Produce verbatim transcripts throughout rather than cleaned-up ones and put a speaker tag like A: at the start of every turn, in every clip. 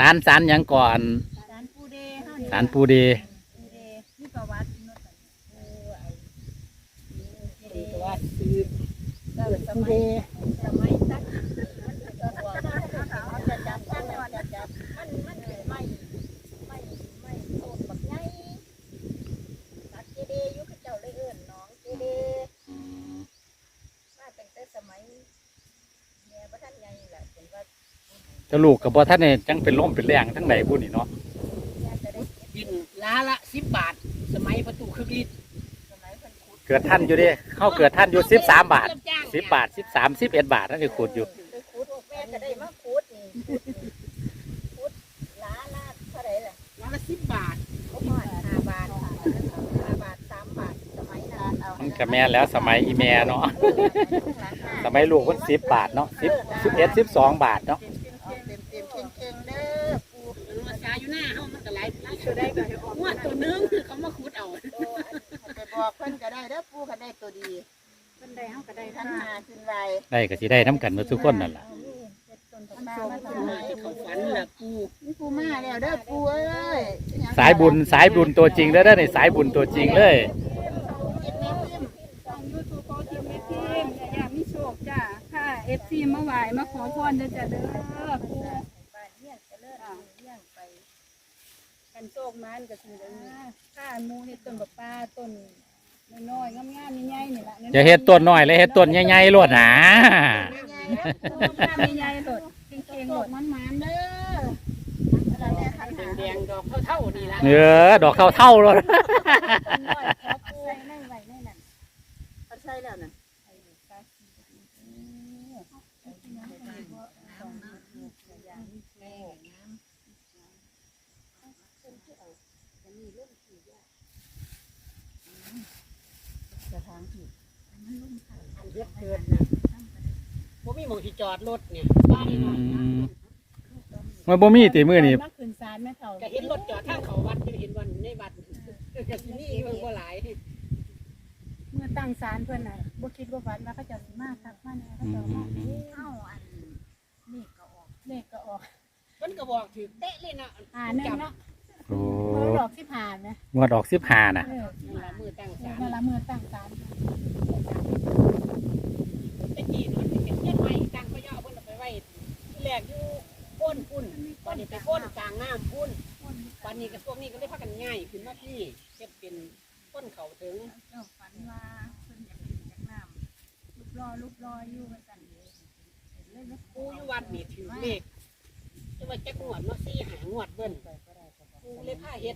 A: ารศาลยังก่อน
B: ศาลปูเด
A: ศาลปูเด
B: ปูเดมีประวัติโน้ตเออไอ้
C: ประวัติคือ
B: เกิดสมัยสมัยตักจะจับท่านก่อนจะจับมันมันไม่ไม่ไม่โซนแบบไงตักเจเดยุคเจ้าเลยเอิญน้องเจเดมาตั้งแต่สมัยเนี่ยพระท่านใหญ่แหละเป็นว่า
A: จะลูกกับพ่อท่านเนี่ยจังเป็นล่มเป็นแรงทั้งไหนพูดนี่เนาะ
C: บินล้าละสิบบาทสมัยประตูคึกฤทธิ์
A: เกิดท่านอยู่ดิเข้าเกิดท่านอยู่สิบสามบาทสิบบาทสิบสามสิบเอ็ดบาทนั่นคือขูดอยู่
B: ขูดแม่ก็ได้มาขูดนี่ขูดล้าละเท่าไหร่ล่ะ
C: ล้าละสิบบาท
B: เขาผ่อนห้าบาทห้าบาทสามบาทสมัยนั้นเอา
A: มันกับแม่แล้วสมัยอีแม่เนาะสมัยลูกคนสิบบาทเนาะสิบสิบเอ็ดสิบสองบาทเนาะ
B: เต็มเต็มเข่งเข่งเด้อปู
C: มาชาอยู่หน้าเขามันก็ไหลไหลตัวได้ก็หัวตัวนึงคือเขามาขุดเอา
B: ไปบอกเพิ่นก็ได้เด้อปูก็ได้ตัวดีเพิ่นได้เฮาก็ได้ทั้งหาขึ้นไว
A: ได้ก็สิได้น้ำกันมาทุกคนนั่นแหละ
C: เขาฝันแหละปู
B: นี่ปูมาแล้วเด้อปูเอ้ย
A: สายบุญสายบุญตัวจริงเด้อเด้อในสายบุญตัวจริงเลย
D: จ้าค่ะเอฟซีมาไหวมาขอพรเด้อจ้าเด้อปู
B: บ้านเฮียนจะเลิศเลี้ยงไป
D: กันโชคมันก็คือเด้อค่ะมูเฮ็ดต้นบักปลาต้นน้อยๆงามๆใหญ่ๆนี่ล่ะ
A: อย่าเฮ็ดต้นน้อยเลยเฮ็ดต้นใหญ่ๆโลดหนา
D: ใหญ่ๆโลดเก่งๆโลดมันๆเด้
C: อแดงๆดอกเท่าๆนี่ล่ะ
A: เออดอกเท่าๆโลด
B: ใส่ในไว้ในนั้นเขาใส่แล้วน่ะ
C: อันเยอะเกินนะบ่มีหม้องที่จอดรถเนี่ยบ้านเนาะ
A: มันบ่มีติมื้อนี่
D: มาขึ้นศาลแม่เฒ่า
C: ก็เห็นรถจอดทางเขาวัดเห็นวันในวัดก็สิมีเพิ่นบ่หลาย
D: เมื่อตั้งศาลเพิ่นน่ะบ่คิดว่าฝันว่าเขาจะสิมาทักมาแน่เขาจะมา
B: เอ้าอันนี่ก็ออก
D: เลขก็ออก
C: เพิ่นก็บอกถือเตะเลยนะ
D: อ่านั่นเนาะ
A: โอ้
D: ดอกสิบห้านะ
A: งวดออกสิบห้าน่ะ
C: เออมือตั้งศาล
D: เวลามือตั้งศาล
C: ตะกี้เนาะเป็นเฮ็ดไว้ตั้งพะยอเพิ่นเอาไปไว้แรกอยู่ก้นพุ่นบัดนี้ไปก้นกลางน้ำพุ่นบัดนี้ก็พวกนี้ก็เลยพากันง่ายขึ้นมาที่เฮ็ดเป็นก้นเขาถึง
D: เจ้าฝันว่าเพิ่นอยากกินจากน้ำลูกรอลูกรออยู่ว่าซั่นเด้
C: เลยปูอยู่วัดนี่ถือเลขจะว่าจักงวดเนาะสี่หางวดเบิ่นปูเลยพาเฮ็ด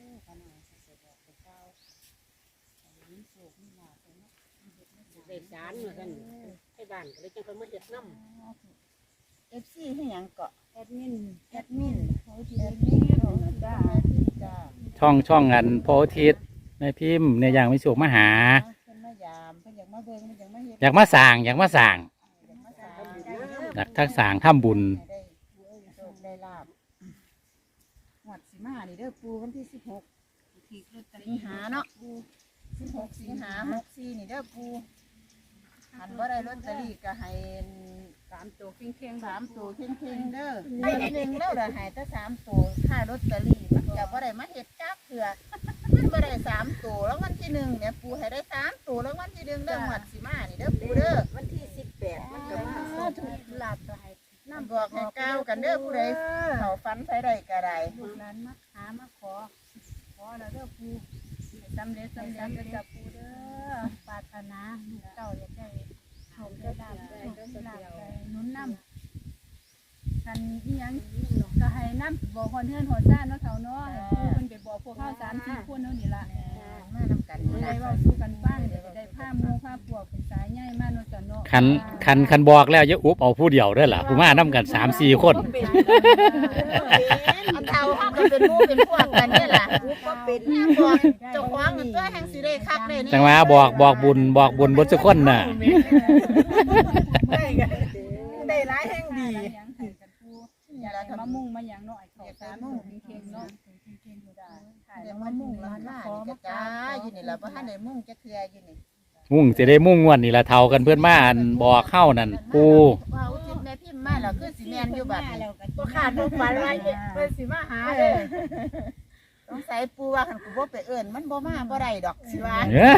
C: ได้ศาลว่าซั่นให้บ้านก็เลยจังเพิ่นมาเฮ็ดนำ
B: เอฟซีให้หยังเกาะ
D: แอดมิน
B: แอดมินโอ้ทีแอดมินจ้าจ้า
A: ช่องช่องอันโพธิตแม่พิมพ์เนี่ยอย่างมีสุขมาหา
B: เพิ่นมายามเพิ่นอยากมาเบิ่งเพิ่นอยากมาเฮ็ด
A: อยากมาสร้างอยากมาสร้างอยากทักสร้างทำบุญ
B: ได้ลาบหวดสิมานี่เด้อปูวันที่สิบหกสิงหาเนาะปูสิบหกสิงหาหกสี่นี่เด้อปูหันว่าได้ลอตเตอรี่ก็ให้
D: สามตัวเข่ง
B: ๆสามตัวเข่งๆเด้อไอ้หนึ่งแล้วเด้อให้แต่สามตัวค่าลอตเตอรี่มันก็บ่ได้มาเฮ็ดจักเถื่อมันบ่ได้สามตัวแล้ววันที่หนึ่งเนี่ยปูให้ได้สามตัวแล้ววันที่หนึ่งเด้อหวดสิมานี่เด้อปูเด้อวันที่สิบแปดมันก็มาถูกลาบไปน้ำบอกให้ก้าวกันเด้อผู้ใดเขาฟันใส่ได้ก็ได้
D: ลูกนั้นมาหามาขอขอแล้วเด้อปูสำเร็จสำเร็จจะปูเด้อปรารถนาเจ้าอยากได้โชคได้ลาบได้ลาบได้นุนน้ำกันอีหยังก็ให้น้ำบอกคนเทือนหัวซ่าเนาะเฒ่าเนาะปูมันไปบอกพวกข้าวสามสี่คนเนาะนี่ล่ะ
B: มานำกัน
D: ได้เว้าสู้กันบ้างเดี๋ยวได้ผ้ามูผ้าปวกเป็นสายใหญ่มาเนาะจ้ะเนาะ
A: คันคันคันบอกแล้วอย่าอุบเอาผู้เดียวด้วยล่ะผู้มานํกันสามสี่คน
B: อันเฒ่าเฮาก็เป็นหมู่เป็นพวกกันนี่ล่ะก็เป็นบอกเจ้าของตัวแห่งสิได้คักได้นี่
A: จังว่าบอกบอกบุญบอกบุญบ่ทุกคนน่ะ
B: ได้ได้หลายแห่งดี
D: อย่าละมะมุ่งมาหยังเนาะไอ้เขาสามมุ่งเข่งเนาะเข่งๆอยู่ได้
B: เดี๋ยวมะมุ่งแล้วล่ะนี่ก็จ้าอยู่นี่ล่ะบ่ทันได้มุ่งจักเทื่ออยู่นี่
A: มุ่งสิได้มุ่งงวดนี่ล่ะเฒ่ากันเพิ่นมาอันบอกเข้านั่นปู
B: ว่าอุทิศแม่พิมพ์มมาแล้วคือสิแม่นอยู่บัดนี้
D: แล้วก็
C: บ่ขาดบ่ฝันว่าเพิ่นสิมาหาเด้อ
B: สงสัยปูว่าคันกูบ่ไปเอิ้นมันบ่มาบ่ได้ดอกสิว่า
A: เอ้อ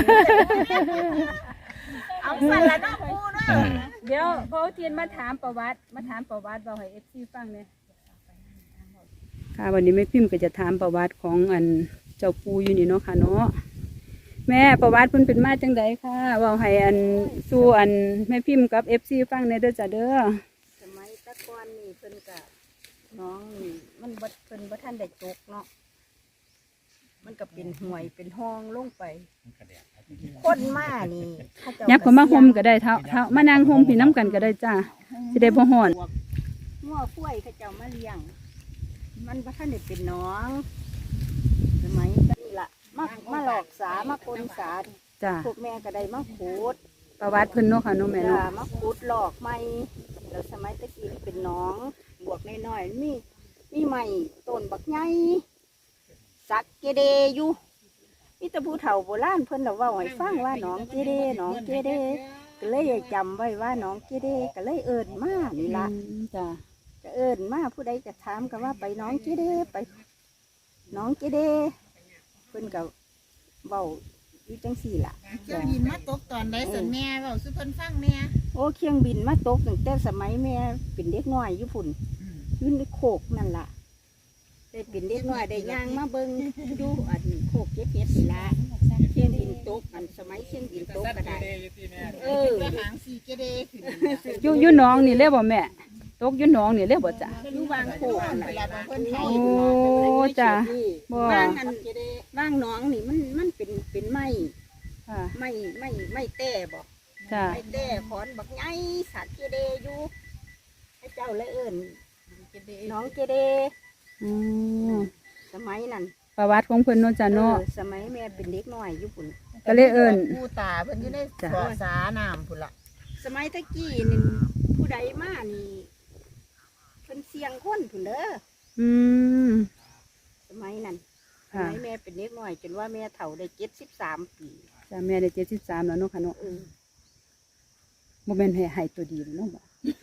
B: เอาสั่นละเนาะปูเนาะ
D: เดี๋ยวพอเทียนมาถามประวัติมาถามประวัติบอกให้ เอฟ ซี ฟังเนี่ยค่ะวันนี้แม่พิมพ์ก็จะถามประวัติของอันเจ้าปูอยู่นี่เนาะค่ะเนาะแม่ประวัติเพิ่นเป็นมาจังไดค่ะเว้าให้อันสู่อันแม่พิมพ์กับ เอฟ ซี ฟังในเด้อจ้ะเด้อ
E: สมัยแตะก่อนนี่เพิ่นก็น้องนี่มันบ่เพิ่นบ่ทันได้ตกเนาะมันก็เป็นห่วยเป็นห้องลงไปคนมานี่เขาเจ้า
D: ยับก็มาห่มก็ได้เท่าเท่ามานั่งห่มพี่น้ำกันก็ได้จ้าสิได้บ่ฮ้อน
E: งัวคุ้ยเขาเจ้ามาเลี้ยง มันบ่ทันได้เป็นน้องสมัยนี่ล่ะมามาหลอกสามาปนสา
D: จ้า
E: พวกแม่ก็ได้มาขุด
D: ประวัติเพิ่นเนาะค่ะเนาะแม่
E: จ้า
D: เนาะ
E: มาขุดหลอกใหม่แล้วสมัยตะกี้มันเป็นน้องบวกน้อยๆมีมีใหม่ต้นบักใหญ่สักเกเดอยู่มีแต่ผู้เฒ่าโบราณเพิ่นเราเว้าให้ฟังว่าน้องเกเดน้องเกเดก็เลยจำไว้ว่าน้องเกเดก็เลยเอิ้นมานี่ละ
D: อืมจ้า
E: ก็เอิ้นมาผู้ใดก็ถามกันว่าไปน้องเกเดไปน้องเกเดเพิ่นก็เว้าอยู่จังสี่ล่ะ
B: เครื่องบินมาตกตอนใดสันแม่เว้าสุเพิ่นฟังแม่
E: โอ้เครื่องบินมาตกตั้งแต่สมัยแม่เป็นเด็กน้อยอยู่พุ่นอยืนในโคกนั่นล่ะได้เป็นเด็กน้อยได้ย่างมาเบิ่งดูอันโคกเก็บเห็ดนี่ล่ะเครื่องบินตกอันสมัยเครื่องบินตกก็ได้เออ
B: ก็หางสีเกเดขึ้น
D: อยู่อยู่หน้องนี่เลยบ่แม่ตกอยู่หน้องนี่เลยบ่จ้า
E: อยู่วางโคกนั่น
B: เว
E: ล่ะ
B: ลาบางคนไท
D: โอ้
B: ย
D: จ้าบ่
E: ว่างอันว่างหน้องนี่มันมันเป็นเป็นไม้
D: ค่ะ
E: ไม้ไม้ไม้แต่บ่
D: จ้า
E: ไม้แต่ขอนบักใหญ่สัตว์เกเดอยู่ให้เจ้าเลยเอิ้นน้องเกเด
D: อืม
E: สมัยนั้น
D: ประวัติของเพิ่นเนาะจ้าเนาะ
E: ออสมัยแม่เป็นเด็กน้อยอยู่พุ่น
D: ก็เลยเอิ้น
B: ปูตาเพิ่นอยู่ในเกาะสาน้ำพุ่นล่ะ
E: สมัยตะกี้นี่ผู้ใดมานี่เพิ่นเสียงคนพุ่นเด้อ
D: อืม
E: สมัยนั้นส
D: ค่ะ
E: มัยแม่เป็นเด็กน้อย จนว่าแม่เฒ่าได้เจ็ดสิบสามปี
D: จ้าแม่ได้เจ็ดสิบสามแล้วเนาะค่ะเนาะ
E: เออ
D: บ่แม่นให้ให้ตัวดีเนาะบ่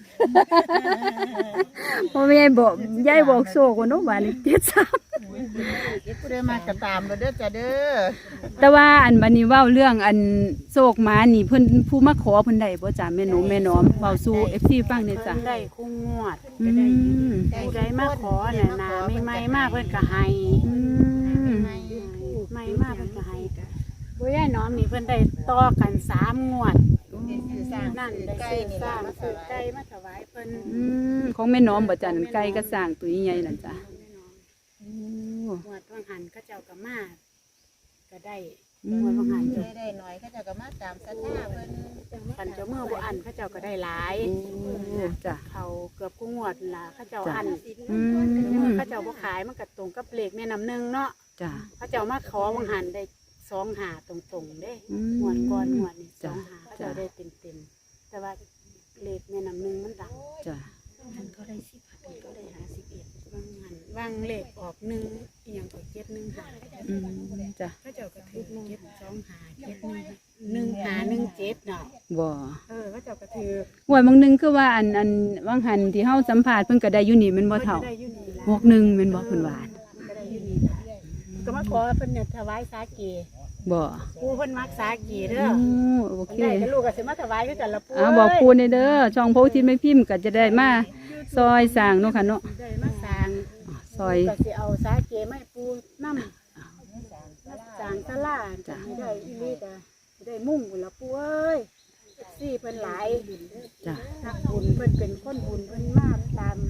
D: บ่แม่นบอกยายบอกโซกว่าเนาะว่านี่เจ็ดสาม
B: ผู้ใดมากระตามเราเด้อจ้าเด้อ
D: แต่ว่าอันบัดนี้เว้าเรื่องอันโศกหมานี่เพิ่นผู้มาขอเพิ่นได้บ่จ้าแม่หนูแม่น้อมเว้าสู่ เอฟ ซี ฟังเด้อจ้า
E: เพิ่นได้คู่งวด
D: อืม
E: ผู้ใดมาขอน่ะนาไม่ไม่มากเพิ่นก็ให้
D: อืม
E: ไม่มากเพิ่นก็ให้บ่ยายน้อมนี่เพิ่นได้ต่อกันสามงวด
B: คือสร้าง
E: นั่นได้
B: ไก่
E: ซื้อ
B: นี่
E: สร้า
B: ล่ะ
E: ง
B: มา
E: ซื้อ
B: ถวาย
E: ไก่มาถวายเพิ่น
D: อืมของแม่น้อมบ่จ้านั่นไก่ก็สร้างตัวใหญ่ๆนั่นจ้าโอ้
E: งวดวังหันเขาเจ้าก็มาก็ได้
D: อื
E: งวดวังหัน
D: ม
B: ได้ได้หน่อยเขาเจะก็มาตามสัญญาเพิ่น
E: คันเจ้าเมื่อบ่อันเขาเจ้าก็ได้หลาย
D: โอ้จ้า
E: เขาเกือบกูงวดล่ะเขาเจ้า
D: จ้ะ
E: อัน
D: อื
E: เมื่อ
D: ม
E: เขาเจ้าบ่ขายมันก็ตรงกับเลขแม่น้ำหนึ่งเนาะ
D: จ้า
E: เขาเจ้ามาขอวังหันได้สองหาตรงๆเด้
D: อื
E: งวดก่อนงวดนี่ส
D: จ้ะ
E: องหาเขาเจ้าได้เต็มๆแต่ว่าเลขแม่น้ำหนึ่งมันดัง
D: จ้า
E: มันก็ได้สิบมันก็ได้หาสิบเอ็ดวางหันวางเลขออกหนึ่งอีหยังก็เจ็ดหนึ่งหา
D: อืมจ้า
E: เขาเจ้าก็ถือเจ็ดสองหาเจ็ดหนึ่งหนึ่งหาหนึ่งเจ็ดเนาะ
D: บ่
E: เออเขาเจ้าก็ถือ
D: หวยบางหนึงคือว่าอันอันว่างหันที่เฮาสัมภาษณ์เพิ่นก็ได้อยู่นี่แม่นบ่เฒ่า
E: พิ่นก็ได้อยู่นี่ล่ะ
D: หกหนึ่งแม่นบ่เพิ่นว่า
E: ก็ได้อยู่นี่ล่ะก็มาขอเพิ่นเนี่ยถวายสาเก
D: บ่
E: ปูเพิ่นมักสาเกเด้
D: โอ้
E: อ
D: โอเค
E: ได้ก็ลูกก็สิมาถวายคือกันละปู
D: อ่าบอกปูในเด้อช่องโพธิ์ทิศไม่พิมพ์ก็จะได้มาซอยสร้างเนาะค่ะเนาะ
E: ได้มาสร้าง
D: ซอย
E: ก็สิเอาสาเกมาให้ปูนำมาสร้างศาลาจะให้ได้อีหลีก็สิได้มุ่งพุ่นละปูเอ้ยสี่เพิ่นหลาย
D: จ้ะ
E: นักบุญเพิ่นเป็นคนบุญเพิ่นมาตาม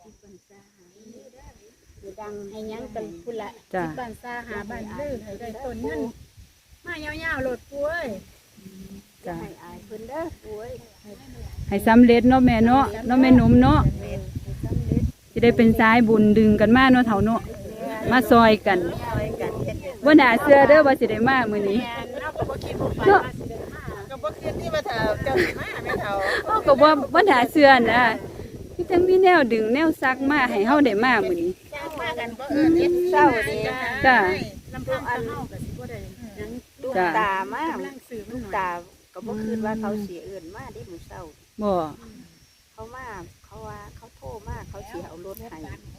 E: ให้ดังให้หยังกันพุ่นละ
D: จ้ะ
E: ที่บ้านซาหาบ้านลือให้ได้ต้นเงินมายาวๆโลดปูเอ้ย
D: จ้ะ
E: ให้อายเพิ่นเด้อปูเอ้ย
D: ให้สำเร็จเนาะแม่เนาะเนาะแม่หนุ่มเนาะ
E: ให้สำเร็จ
D: จะได้เป็นสายบุญดึงกันมาเนาะเฒ่าเนาะมาซอยกัน
E: ซอยกันเฮ็ดเด้อ
D: บ่น่าเชื่อเด้อว่าสิได้มามื้อนี้
E: แม่นเนาะก็บ่คิดบ่ฝันว่าสิได้มา
B: ก็บ่คืนที่มาเฒ่าเจ้าสิมาแม่เฒ่า
D: เฮาก็บ่บ่น่าเชื่อนะมีทั้งมีแนวดึงแนวซักมาให้เฮาได้มามื้อนี้
B: จ้างมากันบ่เอิ้นเฮ็ด
E: เศร้าดี
D: จ้ะ
E: ลำพังอันเฮาก็สิบ่ได้หยังลูก
D: จ้ะ
E: ตามา
C: กำลังซื้อมัน
E: ลูก
C: หน่อย
E: ตาก็บ่คิดว่าเขาสิเอื้อนมาเด้มื้อเช้า
D: บ่
E: เขามาเขาเขาว่าเขาโทรมาเขาสิเอารถให้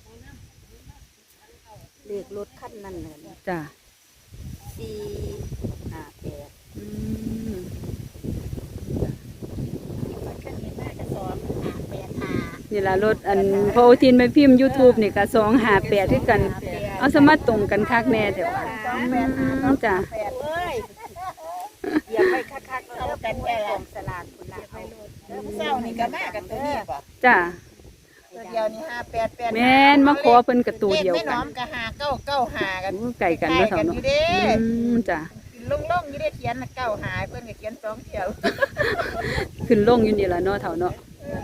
E: เลขรถคันนั้นเลย
D: จ้ะ
E: สี่ห้าแปด
D: อืม นี่ล่ะรถอันพออุทินไปพิมพ์ YouTube นี่ก็สองห้าแปดคือกัน เอาสมาตรงกันคักแน่แต่ว่าอืมจ้ะ
E: เอ้ยเหยียบไปคักๆเอากันแก่ของสลากคุณละเอา
B: เศร้านี่ก็มากันตัวนี้บ่
D: จ้ะ
B: ตัวเดียวนี่ห้าแปดแปด
D: แม่นมาขอเพิ่นกับตัวเดียว
B: ไม่
D: กั
B: น้อน มก็หาเก้าเก้าหากัน
D: อู้ไก่กันเนาะเฒ่า
B: อ
D: เนาะ
B: ยู่เด้
D: อืมจ้ะ
B: ลงลงๆอยู่ได้เขียนน่ะเก้าหาเพิ่นก็เขียนสองเที่ยว
D: ขึ้นลงอยู่นี่ล่ะเนาะเฒ่าเนาะ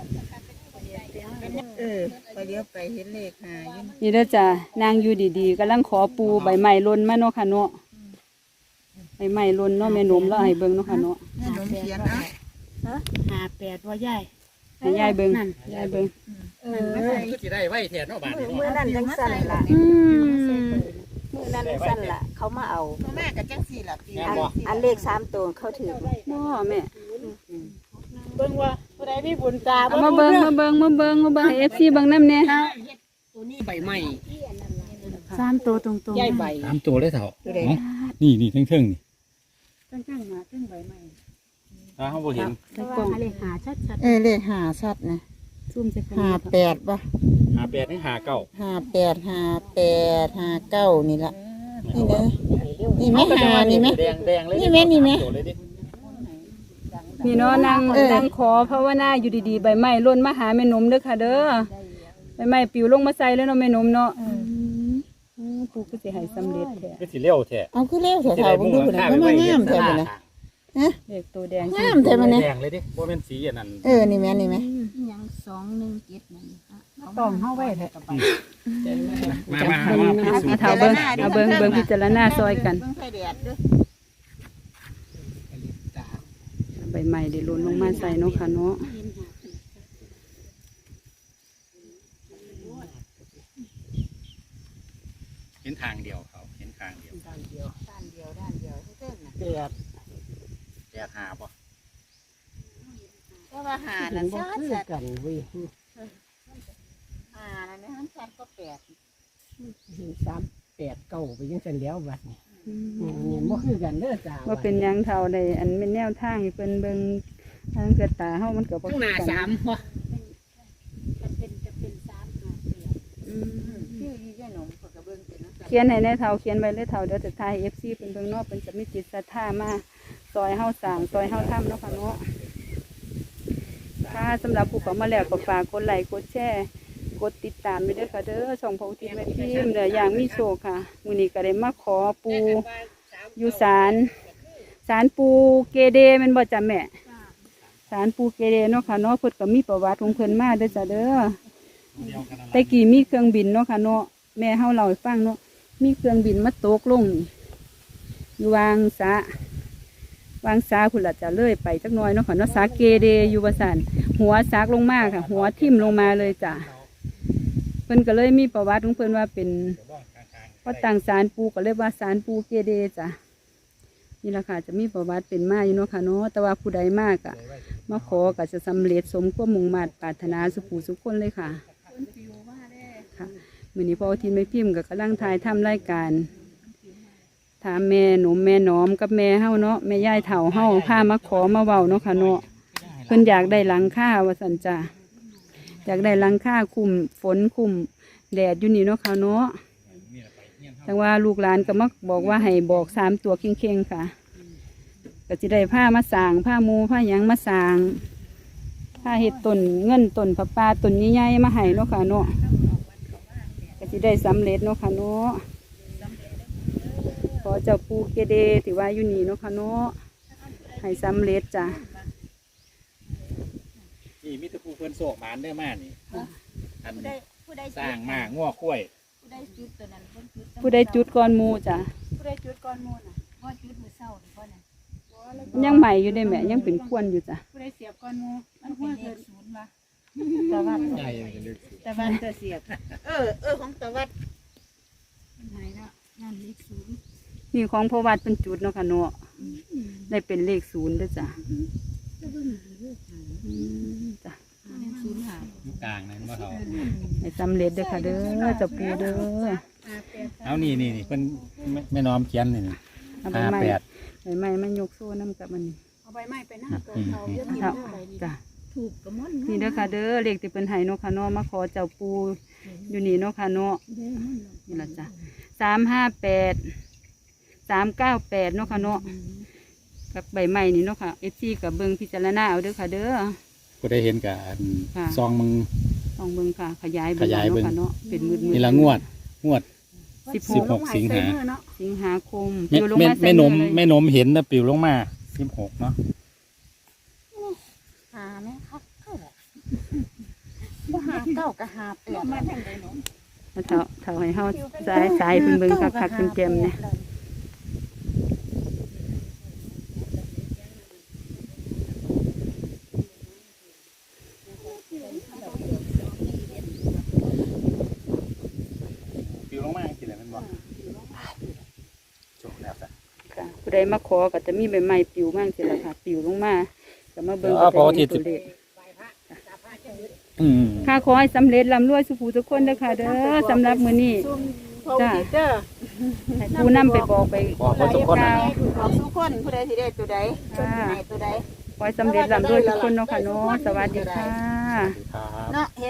B: เออพอเลี้ยวไปเห็นเลขหาอยู่
D: นี่เด้อจ้ะนางอยู่ดีๆกำลังขอปูใบไม้หล่นมาเนาะค่ะเนาะใบไม้หล่นเนาะแม่หนมแล้วให้เบิ่งเนาะค่ะเนาะ
B: แม่หนมเขียนเอ่ะ
C: ห้าแปดว่าใหญ่
D: ให้ยายเบิ่งยายเบิ่ง
B: เออ
A: ก็สิได้ไว้แทนเนาะบาดนี้
E: เมื่อ
A: เนาะ
E: นั้นจังสั่นละ
D: อืม
E: เมื่อนั้นจังสั่นละเขามาเอา
B: พ่อแม่ก็จังสี่ล่ะปี
E: อันอันเลขสามตัวเขาถือ
D: บ่แม่
C: เบิ่งว่าผู้ใดมีบุญตา
D: เอามาเบิ่งมาเบิ่งมาเบิ่งมาเบิ่งให้ เอฟ ซี เบิ่งนำแน่
C: ตัวนี้ใบไม้
D: สามตัวตรง
C: ใหญ่ใบ
A: สามตัวเลยเถอะนี่นี่เทิงๆนี่
D: ๆจังๆมาจังใบไม้
A: ถ้าเฮาบ่เห็น
D: ใส่กล่อง
C: เลขหาชัด
B: เออเลขหาชัดนะ
D: ซูมใส่กล่อง
B: หาแปดป่ะ
A: หาแปดนี่หาเก้า
B: หาแปดหาแปดหาเก้านี่ละนี่เด้อนี่ไหมหานี่ไหม
A: แดงแดงเลย
B: นี่ไหมนี่ไหม
A: ตัวเลยดิ
D: นี่เนาะนาง
B: เออ
D: นางขอภาวนาอยู่ดีๆใบไม้หล่นมาหาแม่หนมเด้อค่ะเด้อใบไม้ปลิวลงมาใส่แล้วเนาะแม่หนมเนาะอือปู่ก็สิให้สำเร็จแท้
A: ก็สิเร็วแท้
B: เอาคือเร็วแถวๆเบิ่งดูพุ่นน่ะก็มางามแท้พุ่นน่ะ
D: เลขตัวแดง
B: งามแท้มันนี่
A: แดงเลยดิบ่แม่นสีอันนั้น
B: เออนี่แม่นี่แม่
E: ยังสองหนึ่งเจ็ดนั่น
C: ต้องเฮาไว้แท้
A: มามามามาพิสูจ
D: เอา
A: น์
D: เท้าเบิ่งเอาเบิ่งเบิ่งพิจารณาซอยกัน
B: เบิ่งไฟแดดเด้อ
D: ใบไม้ได้หล่นลงมาใส่เนาะค่ะเนาะ
A: เห็นทางเดียวเขาเห็นทางเดียว
E: ด้านเดียวด้านเดียวด้านเดียวเท่ๆน่ะ
C: แปด
A: แปดหาบ่
B: ก็ว่าหานั่นชัด
C: คือ
B: ชัด
C: กันเว้ย
B: หานั่นนะมันชัดก็แปด
C: เห็นสามแปดเก้าไปยังสันแล้วบัดนี้เนี่ยบ่คือกันเด้อจ้า
D: ว่าเป็นหยังเท่าใดอันเป็นแนวทางให้เพิ่นเบิ่งทางเกิดตาเฮามันก็บ่
C: ข้างหน้าสามบ่
D: อืม
B: ชื่อยี่ยายหนมเขาก็เบิ่งเป็นนะ
D: เขียนให้ในเท่าเขียนไว้เลยเท่าเดี๋ยวจะถ่าย เอฟ ซี เพิ่นเบิ่งเนาะเพิ่นจะมีจิตศรัทธามาซอยเฮาสร้างซอยเฮาทำเนาะค่ะเนาะค่ะสำหรับผู้เข้ามาแล้วก็ฝากกดไลค์กดแชร์กดติดตามไปด้วยค่ะเด้อช่องพระอุทิศแม่พิมพ์เด้ออย่างมีโชคค่ะมื้อนี้ก็ได้มาขอปูอยู่ศาลศาลปูเกเดแม่นบ่จ้ะแม่ศาลปูเกเดเนาะค่ะเนาะเพิ่นก็มีประวัติของเพิ่นมาเด้อจ้ะเด้อแต่กี้มีเครื่องบินเนาะค่ะเนาะแม่เฮาเล่าให้ฟังเนาะมีเครื่องบินมาตกลงนี่อยู่วางสะวางสาพุ่นละจะเลื่อยไปจักหน่อยเนาะค่ะเนาะสาเกเดอยู่ว่าซั่นหัวซากลงมาค่ะ หัวทิ่มลงมาเลยจ้ะเพิ่นก็เลยมีประวัติของเพิ่นว่าเป็นพอตั้งศาลปูก็เลยว่าศาลปูเกเดจ้ะนี่ล่ะค่ะจะมีประวัติเป็นมาอยู่เนาะค่ะเนาะแต่ว่าผู้ใดมากอะมาขอก็จะสำเร็จสมความมุ่งมั่นปรารถนาสุขสุขคนเลยค่ะค่ะมื้อนี้พ่อทินไม่พิมพ์ก็กำลังถ่ายทำรายการถามแม่หนุ่มแม่หนอมกับแม่เฮาเนาะแม่ยายเฒ่าเฮาพามาขอมาเว้าเนาะค่ะเนาะเพิ่นอยากได้หลังคาว่าซั่นจ้ะอยากได้หลังคาคุมฝนคุมแดดอยู่นี่เนาะค่ะเนาะแต่ว่าลูกหลานก็มักบอกว่าให้บอกสามตัวเข่งๆค่ะก็สิได้ผ้ามาสร้างผ้ามูผ้าหยังมาสร้างผ้าเห็ดต้นเงินต้นผ้าป่าต้นใหญ่ๆมาให้เนาะค่ะเนาะก็สิได้สำเร็จเนาะค่ะเนาะขอเจ้าปูเกเดที่ว่าอยู่นี่เนาะค่ะเนาะให้สำเร็จจ้ะ
A: นี่มีแตะปูเพิ่นโศกหมานได้มานี่อัน
E: ผู้ใดผู้ใด
A: สร้างมาง้อข้วย
E: ผู้ใดจุดตัวนั้นเพิ่นจุด
D: ผู้ใดจุดก่อนหมูจ้ะ
E: ผู้ใดจุดก่อนหมู่น่ะบ่จุดมื้อเช้านี่บ่น่ะ
D: ยังใหม่อยู่ได้แม่ยังเป็นควนอยู่จ้ะ
E: ผู้ใดเสียบก่อนหมู่มันเป็นเลขศูนย์ว่ะ
B: ตะวัน
A: ใหญ่จะลึก
B: ตะวันจะเสียบเออเออของตะวัน
E: มันหายแล้วนั่นเลขศูนย์
D: นี่ของพระวัดเป็นจุดเนาะค่ะเนาะได้เป็นเลขศูนย์เด้วยจ้ะอืมจ้ะ
E: เลขศูนย์หาย
A: มกลางนั่นบ่เท่า
E: ให้สำเร็จเด้อค่ะเด้อเจ้าปูเด้อ
A: เอานี่นี่นี่เพิ่นแม่แม่น้อมเขียนนี่นี่
E: เอาใบ
A: ห้า
E: ไม้
A: แปด
E: ใบไม้มันยกโซ่น้ำกับมัน
C: เอาใบไม้ไปนั่งตัว
A: อืม
C: เขา
A: อืม
C: เยอะกิน
E: เอา
C: เท่าไหร่นี่
E: จ้ะ
D: ถูกกับมัน
E: นี่เด้อค่ะเด้อเลขที่เพิ่นให้เนาะค่ะเนาะมาขอเจ้าปูอยู่นี่เนาะค่ะเนาะนี่ล่ะจ้ะสามห้าแปดสามเก้าแปดเนาะค่ะเนาะกับใบไม้นี่เนาะค่ะเอฟซีกับเบิ่งพิจารณาเอาเด้อค่ะเด้อ
A: ก็ได้เห็นกับอัน
E: ค่ะ
A: ซองมึง
E: ลองเบิ่งค่ะ ขยาย
A: ขยายเบิ่ง
E: เนาะค่ะเนาะเป็นมืดๆ
A: นี่ละงวดงวด
E: สิบห
A: สิบ
E: ก
A: หกสิงหา
E: สิงหาคม
A: แม่
E: อยู่ลง
A: แม่
E: มาใส่
A: แม่นม
E: เลย
A: แม่นมเห็นนะปิวลงมาสิบหกเนาะ
B: หาไหมครับเข้าบ่บ่หาเก้ากับหาแปด
C: มาทางใดเนาะ
E: แล้วเท่าเท่าให้เฮาสายสายเพิ่นเบิ่งคักๆเต็มๆเนี่ย
A: ปิวลงมากี่แล้วมันบอกจบแล้วจ้ะ
E: ค่ะผู้ใดมาขอก็จะมีใบไม้ปลิวมั่งสิล่ะค่ะปลิวลงมาก็มาเบิ่ง
A: อ๋อ
E: ก็จะ
A: พอที่
E: เห็นตัวเลข
A: อืม
E: ค่ะขอให้สำเร็จร่ำรวยสุขทุกคนเด้อค่ะเด้อสำหรับมื้อนี้ จ้ะ ให้ผู้นำไปบอกไป
A: บอกเขาทุกคนนะ
B: บอกทุกคนผู้ใดที่ได้ตัวใด
E: ค่ะ
B: ไหนตัวใด
E: ขอให้สำเร็จร่ำรวยทุกคนเนาะค่ะเนาะสวัสดีค่ะ
A: ครับ
B: เนาะ